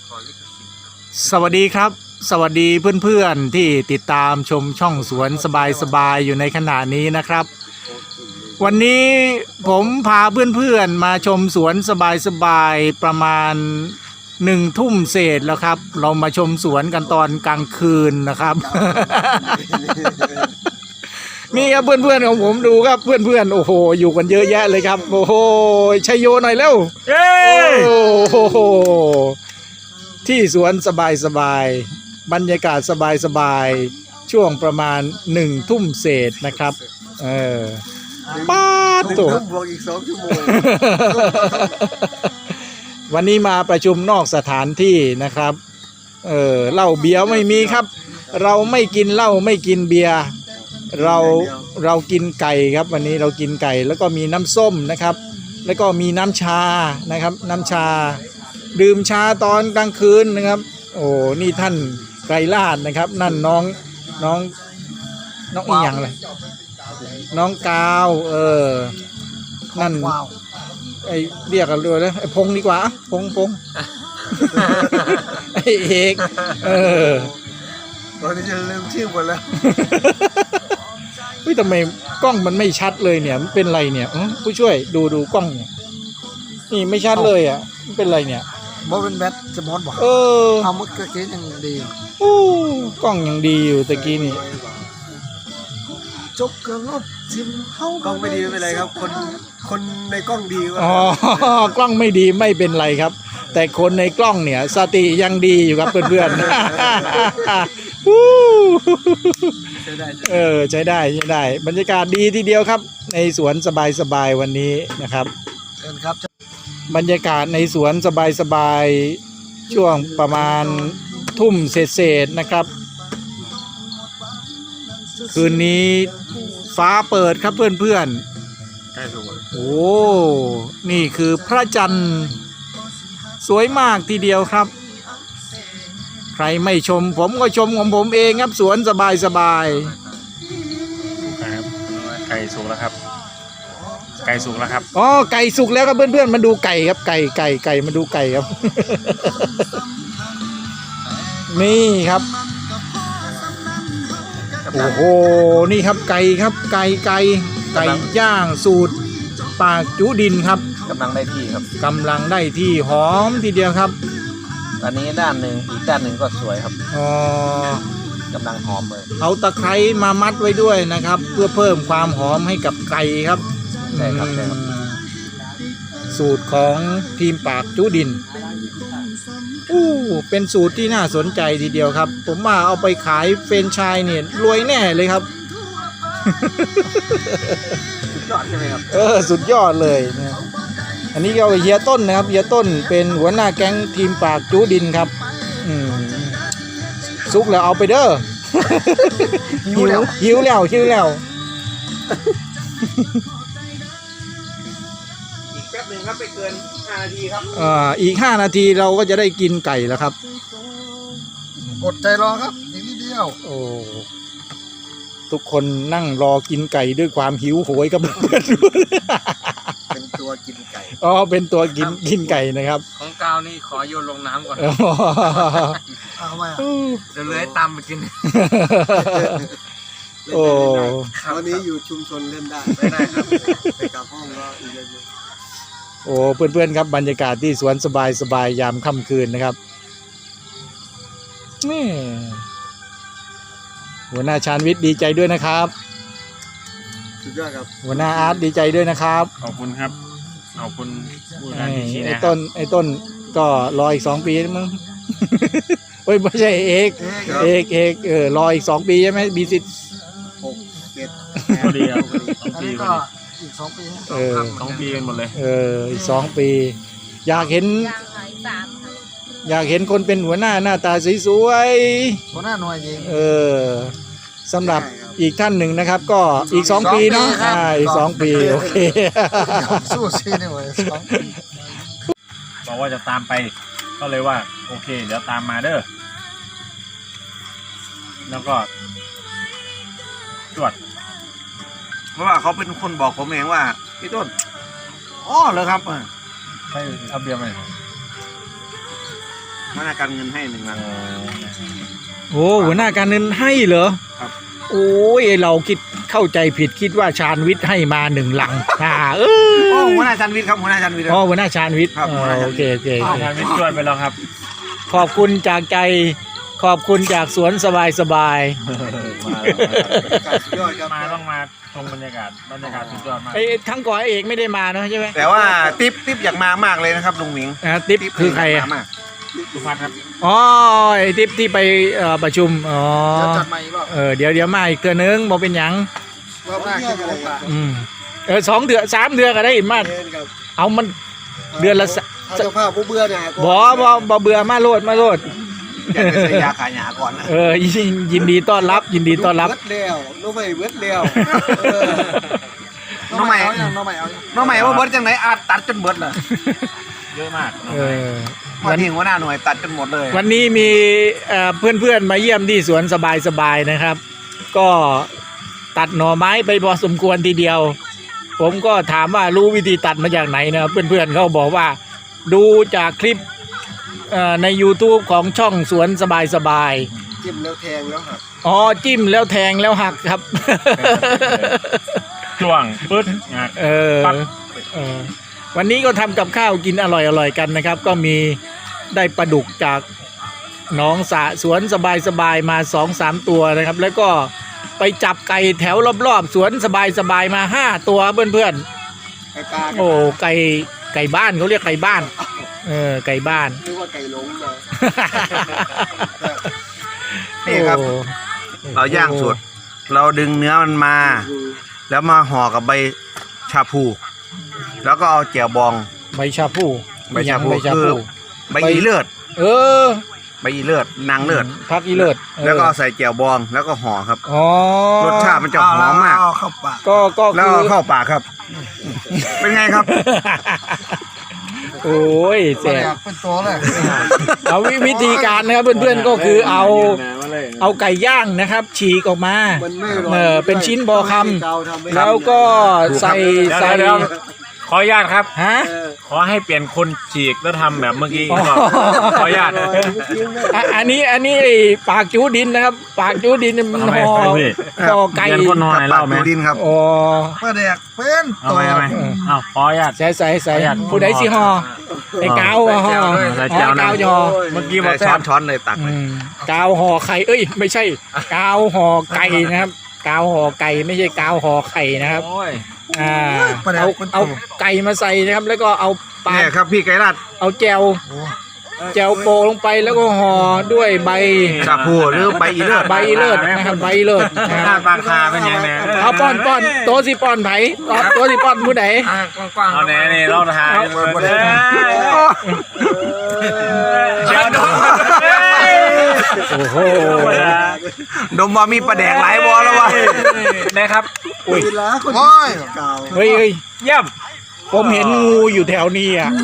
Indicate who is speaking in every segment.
Speaker 1: สวัสดีครับสวัสดีเพื่อนๆที่ติดตามชมช่องสวนสบายๆอยู่ในขณะนี้นะครับวันนี้ผมพาเพื่อนๆมาชมสวนสบายๆประมาณ1 ทุ่มเศษแล้วครับเรามาชมสวนกันตอนกลางคืนนะครับ นี่ครับเพื่อนๆของผมดูครับเพื่อนๆโอ้โหอยู่กันเยอะแยะเลยครับโอ้โหชัยโยหน่อยเร็วเย้โอ้โหที่สวนสบายๆบรรยากาศสบายๆช่วงประมาณ1 ทุ่มเศษนะครับป้าตัว
Speaker 2: บวกอีก2 ชั่วโมง
Speaker 1: วันนี้มาประชุมนอกสถานที่นะครับเหล้าเบียร์ไม่มีครับเราไม่กินเหล้าไม่กินเบียร์เรากินไก่ครับวันนี้เรากินไก่แล้วก็มีน้ำส้มนะครับแล้วก็มีน้ำชานะครับน้ำชาดื่มชาตอนกลางคืนนะครับโอ้นี่ท่านไกรลาศนะครับนั่นน้องอีหยังเลยน้องกาวนั่นไอเรียกกันเลยนะไอพงดีกว่าพงไอเอก
Speaker 2: ตอนนี้จะลืมชื่อหมดแล้ว
Speaker 1: เฮ้ยทำไมกล้องมันไม่ชัดเลยเนี่ยมันเป็นไรเนี่ยผู้ช่วยดูกล้องเนี่ยนี่ไม่ชัดเลยอ่ะมันเป็นไรเนี่ย
Speaker 2: บอเป็นแบทจะมอดบอกเอาเมื่อกี้ยังดี
Speaker 1: กล้องยังดีอยู่ตะกี้นี่
Speaker 2: จบกับรถซิมเข้ากล้องไม่ดีไม่เป็นไรครับคนในกล้องดี
Speaker 1: อ๋อกล้องไม่ดีไม่เป็นไรครับแต่คนในกล้องเนี่ยสติยังดีอยู่ครับเพื่อนๆใช้ได้บรรยากาศดีทีเดียวครับในสวนสบายวันนี้นะครับ
Speaker 2: ครับ
Speaker 1: บรรยากาศในสวนสบายช่วงประมาณทุ่มเศษนะครับคืนนี้ฟ้าเปิดครับเพื่อนๆโอ้นี่คือพระจันทร์สวยมากทีเดียวครับใครไม่ชมผมก็ชมของผมเองครับสวนสบาย
Speaker 3: ครับไก่สุกแล้วครับไก่สุกแล้วครับ
Speaker 1: อ๋อไก่สุกแล้วครับเพื่อนๆมาดูไก่ครับไก่มาดูไก่ครับ นี่ครับโอ้โหนี่ครับไก่ครับไก่ย่างสูตรปากจุดินครับ
Speaker 3: กำลังได้ที่ครับ
Speaker 1: กำลังได้ที่หอมทีเดียวครับ
Speaker 3: อันนี้ด้านหนึ่งอีกด้านหนึ่งก็สวยครับ
Speaker 1: อ๋
Speaker 3: อกำลังหอมเลย
Speaker 1: เอาตะไคร้มามัดไว้ด้วยนะครับเพื่อเพิ่มความหอมให้กับไก่ครับ
Speaker 3: ใช่ครับ
Speaker 1: สูตรของทีมปากจุดินเป็นสูตรที่น่าสนใจทีเดียวครับผมว่าเอาไปขายเฟรนไชส์เนี่ยรวยแน่เลยครับ
Speaker 3: สุดยอดใช่ไหมครับ
Speaker 1: สุดยอดเลยนะอันนี้ก็เฮียต้นนะครับเฮียต้นเป็นหัวหน้าแก๊งทีมปากจุดินครับซุกแล้วเอาไปเด้อหิวแล้วอีกแป๊บนึงครับไปเกิน5 นาทีครับอีก5 นาทีเราก็จะได้กินไก่แล้วครับ
Speaker 2: กดใจรอครับอีกนิดเดียว
Speaker 1: โอ้ทุกคนนั่งรอกินไก่ด้วยความหิวโหยกับเพื่อน
Speaker 2: เป็นตัวกินไก่
Speaker 1: เป็นตัวกินไก่นะครับ
Speaker 3: ของกาวนี่ขอโยนลงน้ำก่อน
Speaker 2: เอาไว้
Speaker 3: เดี๋ยวเลยตามไปกิน
Speaker 1: โอ้
Speaker 2: วันนี้อยู่ชุมชนเล่นได้ครับไปกับห้องก็อีกเยอะ
Speaker 1: โอ้เพื่อนๆครับบรรยากาศที่สวนสบายยามค่ำคืนนะครับนี่หัวหน้าชาญวิทย์ดีใจด้วยนะครับ
Speaker 2: สุดยอดครับ
Speaker 1: หัวหน้าอาร์ตดีใจด้วยนะครับ
Speaker 3: ขอบคุณครับขอบคุณ
Speaker 1: ไอ้ต้นก็รออีก2 ปีมั้งเฮ้ยไม่ใช่เอกรออีก2 ปีใช่ไหมมีสิทธิ์
Speaker 2: 6 7
Speaker 3: พอดีครับ2 ปี
Speaker 2: ก็อีก2 ปี
Speaker 3: 2 ปีกันหมดเลย
Speaker 1: อีก2 ปีอยากเห็นคนเป็นหัวหน้าตาสวย
Speaker 2: หัวหน้าหน่วยยิง
Speaker 1: สำหรับอีกท่านหนึ่งนะครับก็อีก2 ปีเนาะอีก2 ปีโอเค
Speaker 2: สู้ชีนี่หว่า2 ปี
Speaker 3: บอกว่าจะตามไปก็เลยว่าโอเคเดี๋ยวตามมาเด้อแล้วก็ตรวจ
Speaker 2: เพราะว่าเขาเป็นคนบอกผมเองว่าพี่ต้นเหรอครับ
Speaker 3: ให้เอาเบียร์มา
Speaker 4: หัวหน้าการเงินให้1 ลัง
Speaker 1: โอ้หัวหน้าการเงินให้เหรอ
Speaker 4: ครับ
Speaker 1: โอ้ยเราเข้าใจผิดคิดว่าชาญวิทย์ให้มา1 ลังเอ
Speaker 4: โอ้
Speaker 1: อ
Speaker 4: หัวหน้าชันวิทย์ครับหัวหน้าชันวิทย์
Speaker 1: อ๋อหัวหน้าชาญวิทย์
Speaker 4: ครับหัวหน้าชาญวิทย์
Speaker 1: โอเคโอเคโอเค
Speaker 3: ทางวิทย์ชวนไปแล้วครับ
Speaker 1: ขอบคุณจากใจขอบคุณจากสวนสบาย
Speaker 2: สุดยอดครับ
Speaker 3: มาต้องมาชมบรรยากาศสุดยอดมาก
Speaker 1: ไอ้ครั้งก่อนไอ้เอกไม่ได้มาเนอะใช่ไหม
Speaker 4: แต่ว่าติ๊บอยากมามากเลยนะครับลุงหมิง
Speaker 1: ติ๊บคือใครอ่ะ
Speaker 4: ยากมามาก
Speaker 3: สุภัทรครับ
Speaker 1: อ๋อไอ้ติ๊บที่ไปประชุมอ๋อ
Speaker 2: จะจัดใหม่อีกรอบ
Speaker 1: เดี๋ยวมาอีกเทื่อนึงบอกเป็นหยัง
Speaker 2: รอบหน้าขึ้นอะไรป่ะ
Speaker 1: 2 เดือน3 เดือนก็ได้มา
Speaker 2: เล่นครับ
Speaker 1: เอามันเดือนละ
Speaker 2: ถ้าเจ้าภาพผู้เบื่อเนี่ย
Speaker 1: บ่เบื่อมาโลด
Speaker 4: อยากจะใส่ยาขายหยาก่อนนะ
Speaker 1: ยินดีต้อนรับยินดีต้อนรับ
Speaker 2: เบิดแล้วน้องใหม่เบิดแล้ว
Speaker 4: น้องใหม่
Speaker 2: น้องใหม่เอา
Speaker 4: น้องใหม่ว่าเบิร์ดจังไหนอาจตัดจนเบิร์ดเลย
Speaker 3: เยอะมาก
Speaker 4: วันนี้หัวหน้าหน่วยตัดจนหมดเลย
Speaker 1: วันนี้มีเพื่อนๆมาเยี่ยมที่สวนสบายๆนะครับ ก็ตัดหน่อไม้ไปพอสมควรทีเดียว ผมก็ถามว่ารู้วิธีตัดมาจากไหนนะครับเพื่อนๆเขาบอกว่าดูจากคลิปใน YouTube ของช่องสวนสบาย
Speaker 2: จิ้มแล้วแทงแล้วครับ
Speaker 1: ๆอ๋อจิ้มแล้วแทงแล้วหักครับ
Speaker 3: ช่วงปึ๊ดงัก ปั๊บ
Speaker 1: วันนี้ก็ทำกับข้าวกินอร่อยๆกันนะครับ ก็มีได้ปลาดุกจากหนองสระสวนสบายๆมา 2-3 ตัวนะครับ แล้วก็ไปจับไก่แถวรอบๆสวนสบายๆมา5 ตัวเพื่อน
Speaker 2: ไก่ปลา
Speaker 1: ๆโอ้ไก่บ้านเขาเรียกไก่บ้านไก่บ้าน
Speaker 2: เรียกว่าไก่หลงเลย
Speaker 4: นี่ครับ
Speaker 1: โอ้
Speaker 4: เราย่างสดเราดึงเนื้อมันมา แล้วมาห่อกับใบชาพู แล้วก็เอาแจ่วบอง
Speaker 1: ใบชาพู
Speaker 4: ใบชาพู
Speaker 1: ใบชา
Speaker 4: คือ
Speaker 1: พู
Speaker 4: ใบอีเลือด
Speaker 1: เออ
Speaker 4: ใบอีเลือดนางเลือด
Speaker 1: พักอีเลิศ
Speaker 4: แล้วก็เอาใส่แจ่วบองแล้วก็ห่อครับ
Speaker 1: อ๋อ
Speaker 4: รสชาติมันจะหอมมาก
Speaker 2: เข้าปาก
Speaker 1: ก็
Speaker 4: แล้ว
Speaker 1: คือ
Speaker 4: ก็เข้าปากครับ เป็นไงครับ
Speaker 1: โอ้ยแสบ
Speaker 2: เป็นตัวเลย
Speaker 1: เอาวิธีการนะครับเพื่อนๆก็คือเอาไก่ย่างนะครับ ฉีกออกมา
Speaker 2: มันไม่อร่อย
Speaker 1: เป็นชิ้นพอคำแล้วก็ใส่
Speaker 3: เดี๋ยวขออนุญาตครับ
Speaker 1: ฮะ
Speaker 3: ขอให้เปลี่ยนคนฉีกแล้วทำแบบเมื่อกี้
Speaker 1: อ๋อ
Speaker 3: ก่อนขออนุญาต
Speaker 1: อันนี้ไอ้ปากจูดินนะครับ ปากจูดินมัน
Speaker 3: ทำไม
Speaker 1: ห่อ
Speaker 3: พี่
Speaker 1: ห่อไก่
Speaker 3: เปลี่ยนคนหน่อยเล่าไหม
Speaker 4: ดินครับ
Speaker 1: อ๋อ
Speaker 2: มาแดกเป็น
Speaker 3: เอาไหมเอาขออนุญาต
Speaker 1: ใส่
Speaker 3: ประหยัด
Speaker 1: ผู้ใดสิห่อไอ้กาวห่อ
Speaker 3: ใส่แจ่วนะ
Speaker 1: กาวห่อ
Speaker 3: เมื่อกี้บอกแซ่
Speaker 4: ช้อบ นเลยตักเลย
Speaker 1: กาวห่อไข่เอ้ยไม่ใช่กาวห่อไก่นะครับกาวห่อไก่ไม่ใช่กาวห่อไข่นะครับ
Speaker 3: โอ้ย
Speaker 1: เอาไก่มาใส่นะครับ แล้วก็เอาปลา
Speaker 4: เนี่ยครับพี่ไก่รัด
Speaker 1: เอาแจวโปะลงไปแล้วก็ห่อด้วยใบ
Speaker 4: ชาพูหรือใบอีเลือด
Speaker 1: ใบเลิศนะครับใบเลิศนะ
Speaker 3: ห
Speaker 1: ค
Speaker 3: น้า
Speaker 1: รับ
Speaker 3: ปากคาเป็นยังไง
Speaker 1: เอาป้อนโตสิป้อนไผโตสิป้อนผู้ใด
Speaker 3: เอาแน่นี่เราทายเดี๋ยวดู
Speaker 1: โอ้โห
Speaker 4: ดมว่ามีปลาแดกหลายบอแล้ววะ
Speaker 3: นะครับ
Speaker 1: อุ้ย
Speaker 2: เวลาคนเก่า
Speaker 1: เฮ้ย
Speaker 3: เยี่ยม
Speaker 1: ผมเห็นงูอยู่แถวนี้อ่ะ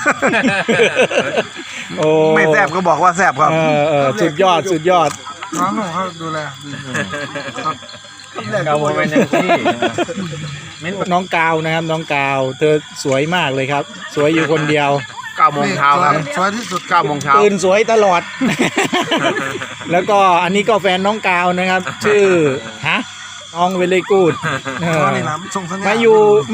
Speaker 1: โอ้
Speaker 4: ไม่แซบก็บอกว่าแซบครับ
Speaker 1: สุดยอด
Speaker 2: น้องเขาดูแล
Speaker 3: เราเป็นยังที่มิ้น
Speaker 1: น้องกาวนะครับน้องกาวเธอสวยมากเลยครับ สวยอยู่คนเดียว
Speaker 4: 9 โมงเช้าครับ
Speaker 2: สวยที่สุด
Speaker 4: 9 โมงเช้า
Speaker 1: ตื่นสวยตลอด แล้วก็อันนี้ก็แฟนน้องกาวนะครับ ชื่อน้องเวลกูด
Speaker 2: นี่น้ำส่งสัญญาณ
Speaker 1: มา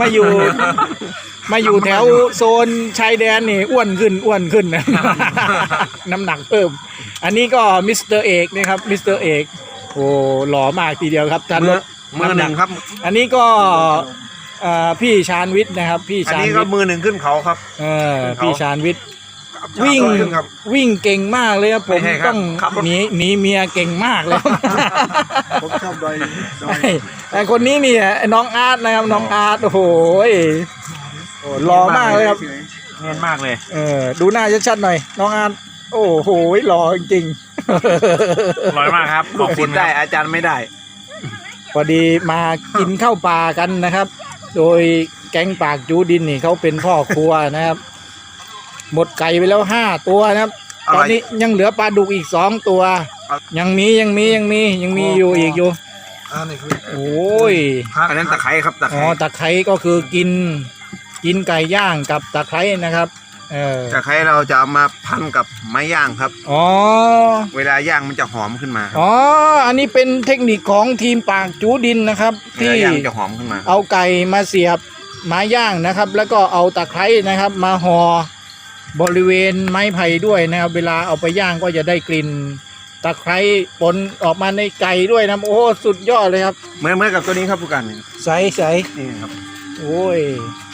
Speaker 1: อยู่แถวโซนชายแดนนี่อ้วนขึ้นนะ น้ำหนักเพิ่ม อันนี้ก็มิสเตอร์เอกนะครับมิสเตอร์เอกโอ้หล่อมากทีเดียวครับท่าน
Speaker 4: มือหนึ่งครับ
Speaker 1: อันนี้ก็พี่ชาญวิทย์นะครับ พี่
Speaker 4: อัน
Speaker 1: ชาญ
Speaker 4: นี้
Speaker 1: วิ
Speaker 4: ก็
Speaker 1: ทย์
Speaker 4: มือหนึ่งขึ้นเขาครับ
Speaker 1: พี่ชาญวิทย์
Speaker 4: วิ่
Speaker 1: วิ่งเก่งมากเลยครับผม
Speaker 4: ไม่ใช่ครับ
Speaker 1: ต้อง
Speaker 4: ขับรถ
Speaker 1: หนีเมียเก่งมากเลย
Speaker 2: ผมชอบดอย
Speaker 1: แต่คนนี้นี่น้องอาร์ตนะครับน้องอาร์ตโอ้โหหล่อมากเลยครับ
Speaker 3: เนียนมากเลย
Speaker 1: ดูหน้าชัดๆหน่อยน้องอาร์ตโอ้โหหล่อจริง
Speaker 3: อร่อยมากครับข
Speaker 4: ลู
Speaker 3: อบ
Speaker 4: ก
Speaker 3: คุ
Speaker 4: ศิ
Speaker 3: ณ
Speaker 4: ษย์
Speaker 3: ค
Speaker 4: ได้
Speaker 3: รับ
Speaker 4: อาจารย์ไม่ได้
Speaker 1: พอดีมากินข้าวปลากันนะครับ โดยแก๊งปากจูดินนี่เขาเป็นพ่อครัวนะครับ หมดไก่ไปแล้ว5 ตัวนะครับ
Speaker 4: อะไร
Speaker 1: ตอนนี้ยังเหลือปลาดุกอีก2 ตัว ยังมีอยู่อีกอยู่
Speaker 2: อันนี้คือ
Speaker 1: โอ้ย
Speaker 4: อันนั้นตะไคร้ครับตะไค
Speaker 1: อ๋อ
Speaker 4: ร้
Speaker 1: ตะไคร้ก็คือกินไก่ย่างกับตะไคร้นะครับ
Speaker 4: ตะไคร้เราจะเอามาพันกับไม้ย่างครับ
Speaker 1: อ๋อ
Speaker 4: เวลาย่างมันจะหอมขึ้นมาครับ
Speaker 1: อ๋อ อันนี้เป็นเทคนิคของทีมปากจูดินนะครับ
Speaker 4: เว
Speaker 1: ที่
Speaker 4: ลาย่างจะหอมขึ้นมา
Speaker 1: เอาไก่มาเสียบไม้ย่างนะครับ แล้วก็เอาตะไคร้นะครับ มาห่อบริเวณไม้ไผ่ด้วยนะครับ เวลาเอาไปย่างก็จะได้กลิ่นตะไคร้ปนออกมาในไก่ด้วยนะโอ้สุดยอดเลยครับ
Speaker 4: เหมือนกับตัวนี้ครับผู้การนี่
Speaker 1: ใสใส
Speaker 4: นี่ครับ
Speaker 1: โอ้ย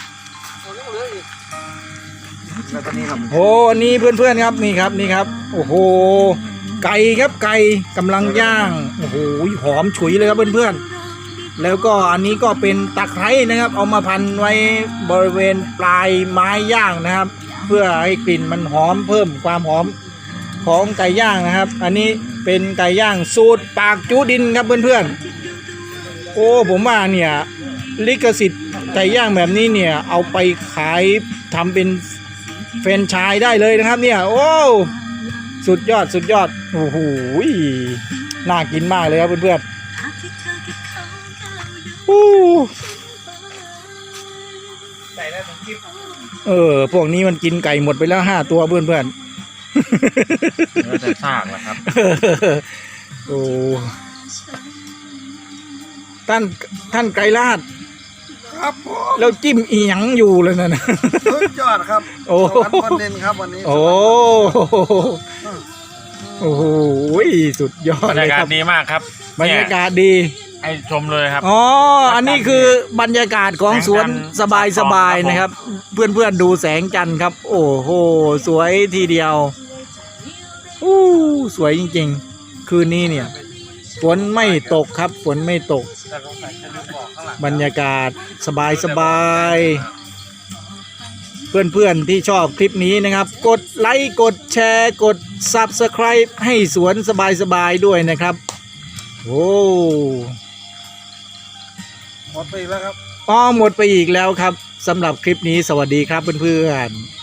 Speaker 4: แล้วตัวนี้ครับ
Speaker 1: โอ้อันนี้เพื่อนๆครับนี่ครับนี่ครับ โอ้โหไก่ครับไก่กำลังย่างโอ้โหหอมฉุยเลยครับเพื่อนๆแล้วก็อันนี้ก็เป็นตะไคร้นะครับ เอามาพันไว้บริเวณปลายไม้ย่างนะครับ เพื่อให้กลิ่นมันหอมเพิ่มความหอมของไก่ย่างนะครับ อันนี้เป็นไก่ย่างสูตรปากจูดินครับเพื่อนๆโอ้ผมว่าเนี่ยลิขสิทธิ์ไก่ย่างแบบนี้เนี่ยเอาไปขายทำเป็นแฟรนไชส์ได้เลยนะครับเนี่ยโอ้สุดยอดสุดยอดโอ้โหน่ากินมากเลยครับเพื่อนๆอู้พวกนี้มันกินไก่หมดไปแล้ว5 ตัวเพื่อน
Speaker 3: เนื้อแต่ซากแหละครับ
Speaker 1: ๆโอ้ท่านไก่ลาด
Speaker 2: ครับผม
Speaker 1: แล้วจิ้มอีหยังอยู่เลยนะ
Speaker 2: สุดยอดครับ
Speaker 1: โอ้
Speaker 2: สวรรค์บนดินครับวันนี้
Speaker 1: โอ้โอ้โหสุดยอบ
Speaker 3: ร
Speaker 1: ด
Speaker 3: ร
Speaker 1: เลย
Speaker 3: ยากา
Speaker 1: ค
Speaker 3: ศ
Speaker 1: รับ
Speaker 3: ดีมากครับ
Speaker 1: บรรยากาศดี
Speaker 3: ให้ชมเลยครับ
Speaker 1: อ๋ออันนี้คือบรรยากาศของสวนสบายๆนะครับ เพื่อนๆดูแสงจันทร์ครับ โอ้โหสวยทีเดียวอู้สวยจริงๆคืนนี้เนี่ยฝนไม่ตกครับฝนไม่ตก บรรยากาศสบายๆเพื่อนๆที่ชอบคลิปนี้นะครับ กดไลค์กดแชร์กด Subscribe ให้สวนสบายๆด้วยนะครับโอ้
Speaker 2: หมดไปอีกแล้วครับ
Speaker 1: หมดไปอีกแล้วครับสำหรับคลิปนี้สวัสดีครับเพื่อนๆ